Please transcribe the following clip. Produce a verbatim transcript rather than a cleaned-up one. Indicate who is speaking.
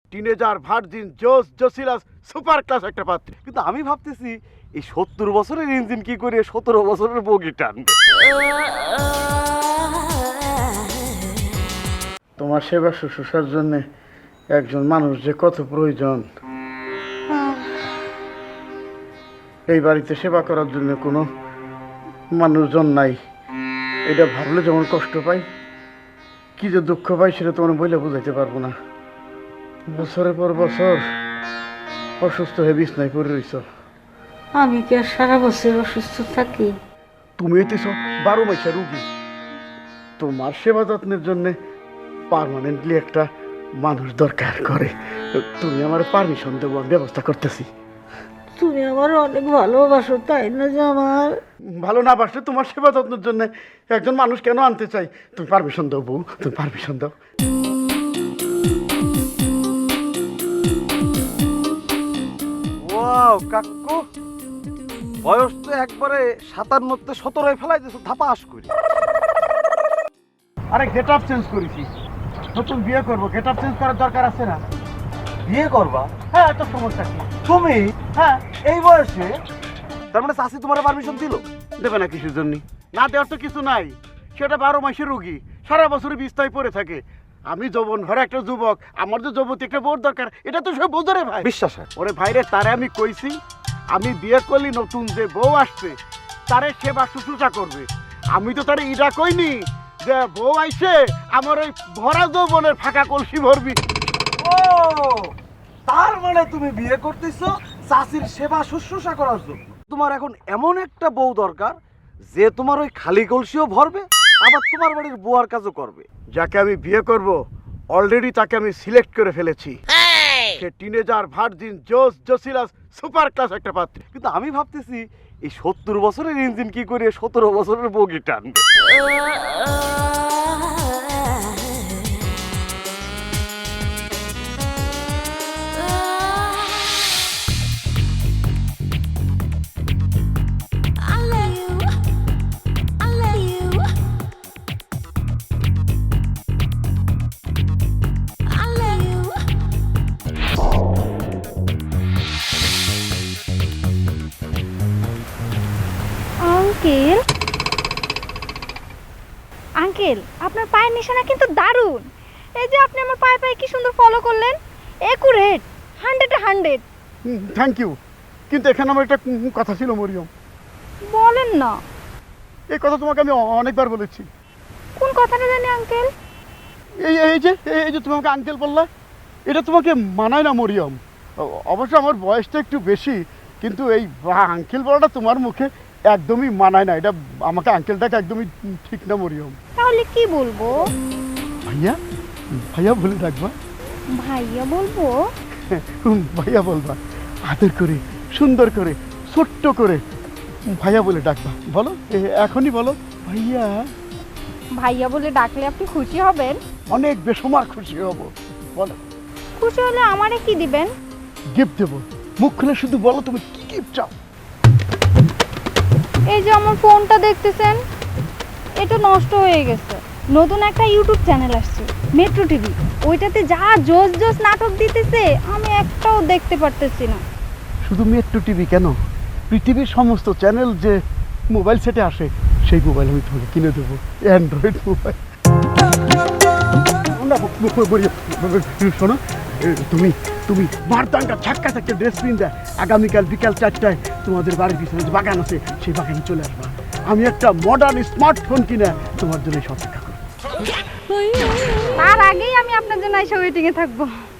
Speaker 1: Teenager virgin জোস জোসিলাস super class একটা পাত্রী।
Speaker 2: কিন্তু আমি ভাবতেছি এই সত্তর বছরের ইঞ্জিন কি করে সতেরো বছরের বগি টানবে।
Speaker 1: তোমার সেবা শুশ্রূষার জন্য একজন মানুষ যে কত প্রয়োজন। এই বাড়িতে সেবা করার জন্য কোনো মানুষজন নাই, এটা ভাবলে যেমন কষ্ট পাই, কি যে দুঃখ পাই সেটা তোমার বইলে বুঝাইতে পারবো না। বছরের পর বছর অসুস্থ হয়ে বিছনায় পড়ে রইছ।
Speaker 3: আমি কি আর সারা বছর অসুস্থ থাকি?
Speaker 1: তুমি হইতেছ বারো মাসের রুগী, তোমার সেবা যত্নের জন্য পার্মানেন্টলি একটা মানুষ দরকার করে। তুমি আমার পারমিশন দেবো, আমি ব্যবস্থা করতেছি।
Speaker 3: তুমি আমার অনেক ভালোবাসো, তাই না জামাল?
Speaker 1: ভালো না বাসলে তোমার সেবা যত্নের জন্য একজন মানুষ কেন আনতে চাই? তুমি পারমিশন দাও বউ, তুমি পারমিশন দাও।
Speaker 2: ওয়াও কাকু, বয়স তো একবারে সাতান্নতে সতেরোয় ফেলাই দিয়েছো ধাপাস করি।
Speaker 1: আরে গেট আপ চেঞ্জ করেছি, নতুন বিয়ে করবো, গেট আপ চেঞ্জ করার দরকার আছে না?
Speaker 2: বিয়ে করবা?
Speaker 1: হ্যাঁ, এত সমস্যা কি?
Speaker 2: তুমি
Speaker 1: হ্যাঁ,
Speaker 2: এই বয়সে? তার মানে চাষি তোমার পারমিশন দিল?
Speaker 1: দেবে না কিছুর জন্য? না দেওয়ার তো কিছু নাই, সেটা বারো মাসের রুগী, সারা বছর বিস্তায় পড়ে থাকে। আমি যৌবন ভরা একটা যুবক, আমার যে যুবতী একটা বোর দরকার, এটা তো সব বোঝে রে ভাই।
Speaker 2: বিশ্বাস হয়
Speaker 1: ওরে ভাইরে, তারে আমি কইছি আমি বিয়ে করলি নতুন যে বউ আসছে তারে সেবা শুশ্রূষা করবে। আমি তো তারে ইটা কইনি যে বউ আইসে আমার ওই ভরা যৌবনের ফাঁকা কলসি ভরবি।
Speaker 2: ও, তার মানে তুমি বিয়ে করতেছো চাষির সেবা শুশ্রূষা করার জন্য। তোমার এখন এমন একটা বউ দরকার যে তোমার ওই খালি কলসিও ভরবে, আবার তোমার বাড়ির বুয়ার কাজও করবে।
Speaker 1: যাকে আমি বিয়ে করব অলরেডি তাকে আমি সিলেক্ট করে ফেলেছি। সে টিনেজার ভার্জিন জোস জোসিলাস সুপার ক্লাস একটা পাত্রী।
Speaker 2: কিন্তু আমি ভাবতেছি এই সত্তর বছরের ইঞ্জিন কি করে সতেরো বছরের বগি টানবে।
Speaker 4: আঙ্কেল আঙ্কেল আপনার পায়ের নিশানা কিন্তু দারুণ। এই যে আপনি আমার পায়ে পায়ে কি সুন্দর ফলো করলেন, accurate, hundred hundred.
Speaker 1: Thank you, কিন্তু এখানে আমার একটা উম, কথা ছিল মরিয়ম।
Speaker 4: বলেন না।
Speaker 1: এই কথা তোমাকে আমি অ- অনেকবার বলেছি।
Speaker 4: কোন কথাটা জানি আঙ্কেল?
Speaker 1: এই এই যে এই যে তুমি আমাকে আঙ্কেল বললা, এটা তোমাকে মানায় না মরিয়ম। অ- অবশ্য আমার বয়সটা একটু বেশি, কিন্তু এই আঙ্কেল বলাটা তোমার মুখে একদমই মানায় না। এটা আমাকে আঙ্কেলটাকে একদমই ঠিক না মরিয়ম।
Speaker 4: তাহলে কি বলবো?
Speaker 1: ভাইয়া, ভাইয়া বলে ডাকবা।
Speaker 4: ভাইয়া বলবো?
Speaker 1: হুম, ভাইয়া বলবা, আদর করে সুন্দর করে ছোট্ট করে ভাইয়া বলে ডাকবা। বলো, এ- এখনই বলো ভাইয়া।
Speaker 4: ভাইয়া বলে ডাকলে আপনি খুশি হবেন?
Speaker 1: অনেক বেসমার খুশি হব। বলো।
Speaker 4: খুশি হলে আমারে কি দিবেন?
Speaker 1: গিফট দেবো, মুখ খুলে শুধু বলো তুমি কি গিফট চাও।
Speaker 4: এই যে আমার ফোনটা দেখতেছেন, এটা নষ্ট হয়ে গেছে। নতুন একটা ইউটিউব চ্যানেল আসছে, মেট্রো টিভি। ওইটাতে যা জোস জোস নাটক দিতেছে আমি একটাও দেখতে পারতেছি না।
Speaker 1: শুধু মেট্রো টিভি কেন, পৃথিবীর সমস্ত চ্যানেল যে মোবাইল সেটে আসে সেই মোবাইল আমি তোমাকে কিনে দেবো, অ্যান্ড্রয়েড মোবাইল। শোনো, এ, তুমি তুমি মারদাঙ্গা ঝাক্কা থাকতে ড্রেস পিন দেয়, আগামীকাল বিকাল চারটায় তোমাদের বাড়ির পিছনে যে বাগান আছে সেই বাগানে চলে আসবা। আমি একটা মডার্ন স্মার্টফোন কিনে তোমার জন্য সব অপেক্ষা করবো।
Speaker 4: তার আগেই আমি আপনার জন্য এসে ওয়েটিংয়ে থাকবো।